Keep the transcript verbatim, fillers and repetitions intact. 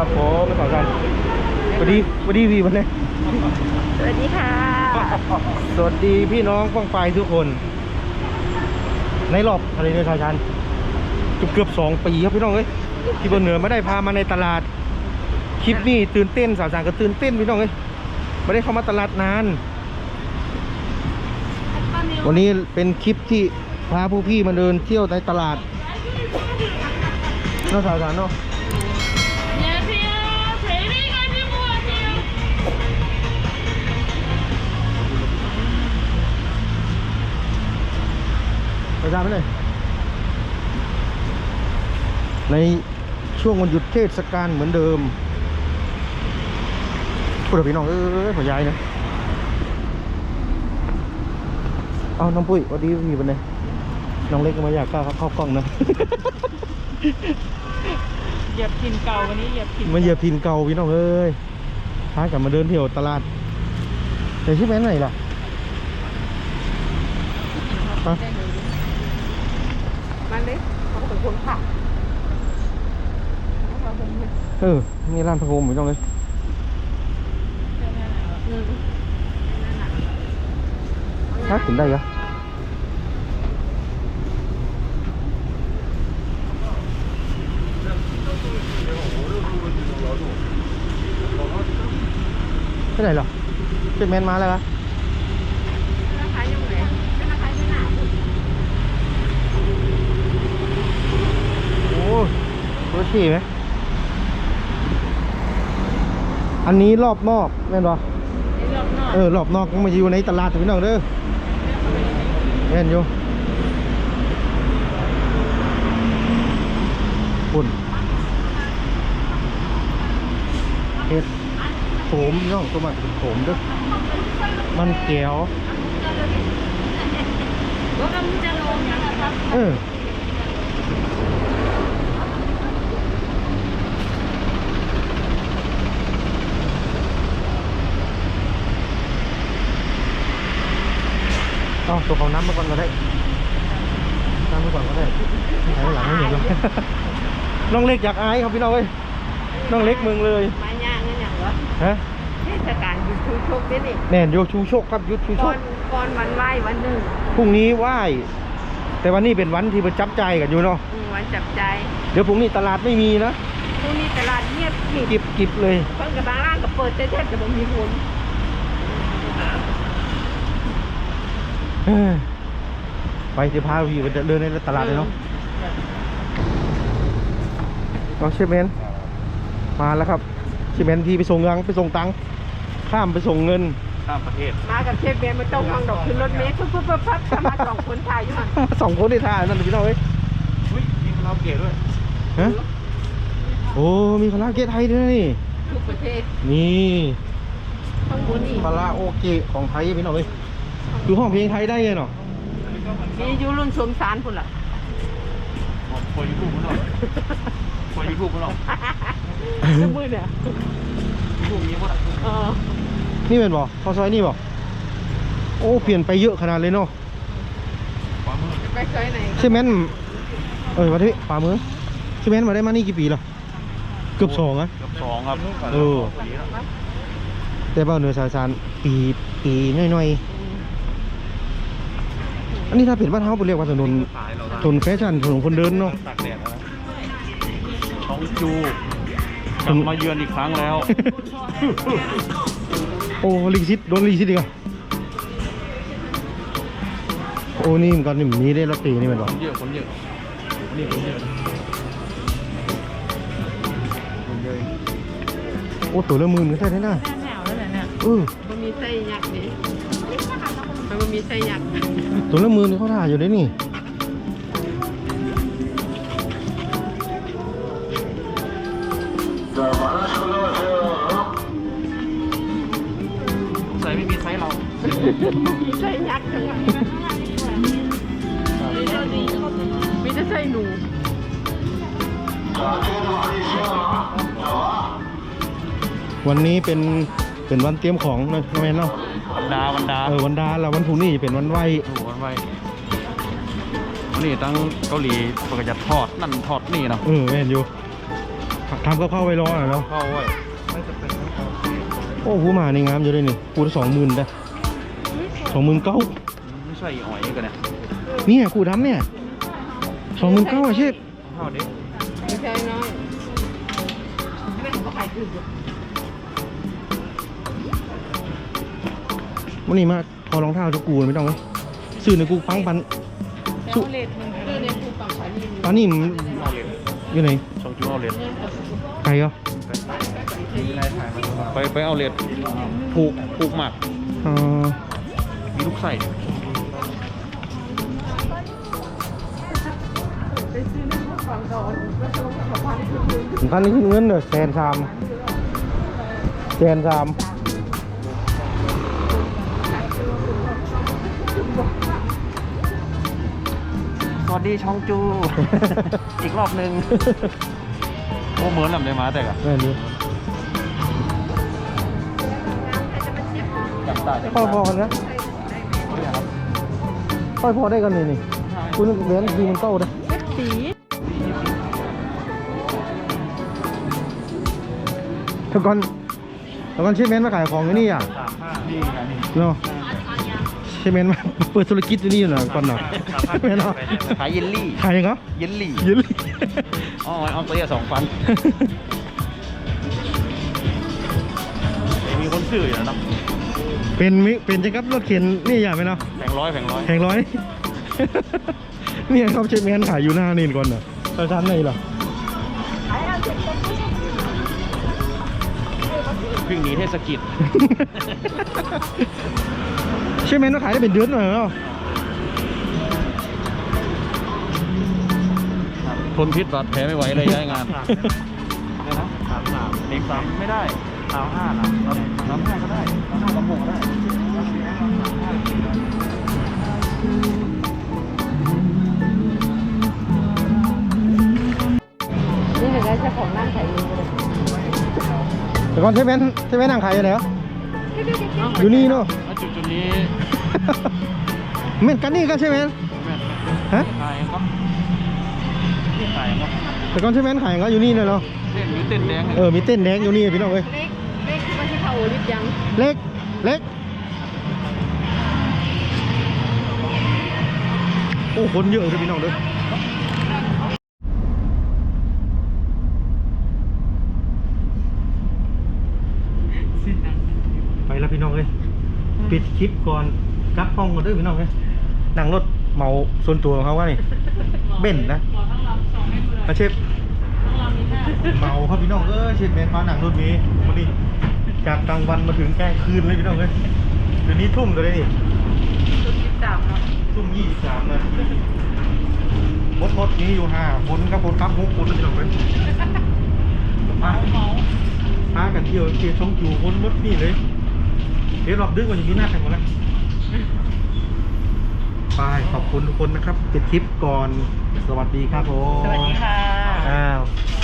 ครับผมสาวชันสวัสดีสวัสดีพี่วันนี้สวัสดีค่ะสวัสดีพี่น้องป้องปลายทุกคน ในรอบอะไรเนี่ยสาวชันเกือบเกือบสองปีครับพี่น้องเอ้ยที่บนเหนือไม่ได้พามาในตลาดคลิปนี้ตื่นเต้นสาวชันก็ตื่นเต้นพี่น้องเอ้ยไม่ได้เข้ามาตลาดนานวันนี้เป็นคลิปที่พาผู้พี่มาเดินเที่ยวในตลาดน่าสาวชันเนาะไปตามไปเลยในช่วงวันหยุดเทศกาลเหมือนเดิมพูดกับพี่น้องเอ้ยหัวยายนะเอาน้องปุ้ยสวัสดีพี่วันนี้น้องเล็กก็มาอยากเข้าเข้ากล้องนะเหยียบพินเก่าวันนี้เหยียบพินมาเหยียบพินเก่าพี่น้องเอ้ยพากลับมาเดินเที่ยวตลาดแต่ชื่อแม่ไหนล่ะมาเลยเขาเป็นคนขับเออนี่ร้านพระโคมพี่น้องเลยถ้าถึงได้เหรอที่ไหนหรอเจ็ดแมนมาแล้วครับโอ้รถขี่ไหมอันนี้รอบนอกแม่นปะเออรอบนอกมาอยู่ในตลาดพี่น้องเด้อแม่นอยู่ปุ่นเห็ดโขมน้องตัวมันเป็นโขมเด้อมันแก้วเออเอาตัวของน้ำมาก่อนก็ได้น้ำมาก่อนก็ได้ไหนหลังไม่เห็นเลยน้องเล็กอยากอายครับพี่น้องเอ้ยน้องเล็กเมืองเลยมาย่างนั่นอย่างวะฮะเทศกาลยุทธชูโชคด้วยนี่แน่นโยชูโชคครับยุทธชูโชก่อคนก่อนวันไหว้วันหนึ่งพรุ่งนี้ไหว้แต่วันนี้เป็นวันที่ประจับใจกันอยู่เนาะวันจับใจเดี๋ยวพรุ่งนี้ตลาดไม่มีนะพรุ่งนี้ตลาดเงียบกิบกิบเลยเพิ่งกับบางร้านกับเปิดเทศกับบ่มีคนไปจะพาพี่ไปเดินในตลาดเลยเนาะน้องเชฟเมนมาแล้วครับเชฟเมนที่ไปส่งเงินไปส่งตังค์ข้ามไปส่งเงินข้ามประเทศมากับเชฟเมนมาต้องมองดอกขึ้นรถเมล์ปุ๊บปุ๊บปุ๊บปั๊บมาสองคนถ่ายอยู่หันสองคนที่ถ่ายนั่นพี่น้องเอ้ยมีคาราโอเกะด้วยฮะโอ้มีคาราโอเกะไทยด้วยทุกประเทศนี่ข้างบนนี่คาราโอเกะของไทยพี่น้องเอ้ยดูห้องเพลงไทยได้เลยเนาะมีอยู่รุ่นสมสารพุ่นล่ะพอยูทูบมันหรอพอยูทูบมันหรอทุกมือเนี่ยทูบนี้หมดเออนี่เป็นบ่ข้าวซอยนี่บ่โอ้เปลี่ยนไปเยอะขนาดเลยเนาะไปซอยไหนใช่ไหมเออมาที่ฝ่ามือใช่ไหมมาได้มานี่กี่ปีละเกือบสองอะเกือบสองครับเออแต่บ้านเหนือสายสารปีปีน้อยๆอันนี้ถ้าเป็นบ้านเฮาไปเรียกว่าถนนถนนแฟชั่นถนนคนเดินเนาะตากแดดนะท้องจูกลับมาเยือนอีกครั้งแล้วโอ้ลิขสิทธิ์โดนลิขสิทธิ์อีกอ่ะโอ้นี่มันก็นี่มีได้ลอตเตอรี่นี่มันหรอเยอะคนเยอะนี่คนเยอะคนเยอะโอ้ตัวละหมื่นก็ใช่ได้น่ะแนวแล้วเนี่ยเออมันมีไส้ยักษ์นี่มันมีไส้ยักษ์ตัวละหมื่นเขาถ่ายอยู่ได้นี่ใส่ไม่มีไซส์เรามีไส้ยักษ์ทั้งนั้นมีแต่ไส้หนูวันนี้เป็นเป็นวันเตรียมของนะแม่เนาะวันดาวันดาเออวันดาแล้ววันพรุ่งนี้เป็นวันไหววันไหววันนี้ตั้งเกาหลีปกติจะทอดนั่นทอดนี่เนาะเออแม่นอยู่ทำก็เข้าไปรอหน่อยเนาะเข้าไว้ไม่จะเป็นทั้งเข้าโอ้หูหมาในงามอยู่ด้วยนี่กูสองหมื่นได้สองหมื่นเก้าไม่ใช่อ่อยกันเนี่ยเนี่ยกูดำเนี่ยสองหมื่นเก้าอาชีพเข้าดิไม่ใช่น้อยไม่เขาขายถูกอยู่วันนี้มาพอรองเท้าทุกกูไม่ต้องเลยซื้อในกูปังปันแต่เอาเลทมันคือในคูปังขายนี่ตอนนี้มันเอาเลนอยู่ไหนช่องจูเอาเลนไกลเหรอไปไปเอาเลนผูกผูกหมักเอ่อมีลูกใส่ไปซื้อในคูปังดอนก็ต้องขอพันคือถึงพันนี้เงินเด้อแสนสามแสนสามสวัสดีช่องจู อีกรอบหนึ่งโอ้เหมือนลำได้มาแต่กะแม่นี้จับตาจับพอตาพอกันนะพอพอได้กันนี่นี่คุณเว้นดีมันเต้าได้สีถ้าก่อนถ้าก่อนเชฟเมนมาขายของอยู่นี่อ่ะสามห้านี่ไงนี่เนาะเชฟเมนมาเปิดธุรกิจอยู่นี่เหรอก่อนเนาะแม่เนาะขายเยลลี่ขายยังเหรอเยลลี่เยืนเลยอ๋อเอาตัวเดียวสองพันมีคนซื้ออยู่นะเนาะเป็นมิเป็นจังกับรถเข็นนี่อย่าไปเนาะแผงร้อยแผงร้อยแพงร้อย เนี่ยครับเชฟแมนขายอยู่หน้านี่ก่อนเนาะตอนชั้นไหนเหรอวิ่งหนีเทศกิจเชฟแมนก็ขายได้เป็นเดือนหน่อยเนาะทนพิษบาดแผลไม่ไหวเลยย้ายงานได้นะสามสามเด็กสามไม่ได้สามห้านะสามห้าก็ได้สามห้าสามหกก็ได้นี่หนึ่งได้เจ้าของนั่งขายเองเลยแต่ก่อนเชฟแมนเชฟแมนนั่งขายอยู่ไหนวะอยู่นี่เนาะจุดจุดนี้เหมือนกันนี่ก็เชฟแมนฮะขายก็ขายก็แต่ก่อนเชฟแมนขายก็อยู่นี่เลยเนาะเต้นมีเต้นแดงเออมีเต้นแดงอยู่นี่พี่น้องเอ้ยเล็กเล็กที่มาที่เขาลิบยังเล็กเล็กโอ้คนเยอะเลยพี่น้องเด้อไปแล้วพี่น้องเอ้ยปิดคลิปก่อนกลับห้องกันเด้อพี่น้องเอ้ยนั่งรถเหมาส่วนตัวของเขาว่านี่เบ่นนะมาเชฟเมาครับพี่น้องเอ้ยเชฟเบนมาหนังรถนี้วันนี้จากกลางวันมาถึงแกล้งคืนเลยพี่น้องเอ้ยเดี๋ยวนี้ทุ่มตัวเลยนี่ชุดที่สามเนาะทุ่มยี่สิบสามนาทีมดมดนี้อยู่ห้าคนครับคนครับหกคนแล้วพี่น้องเอ้ยมาพากันเที่ยวเที่ยวช่องจูคนมดนี่เลยเดี๋ยวรอบดึกวันนี้หน้าแข่งหมดแล้วไปขอบคุณทุกคนนะครับปิดคลิปก่อนสวัสดีครับผมสวัสดีค่ะอ้าว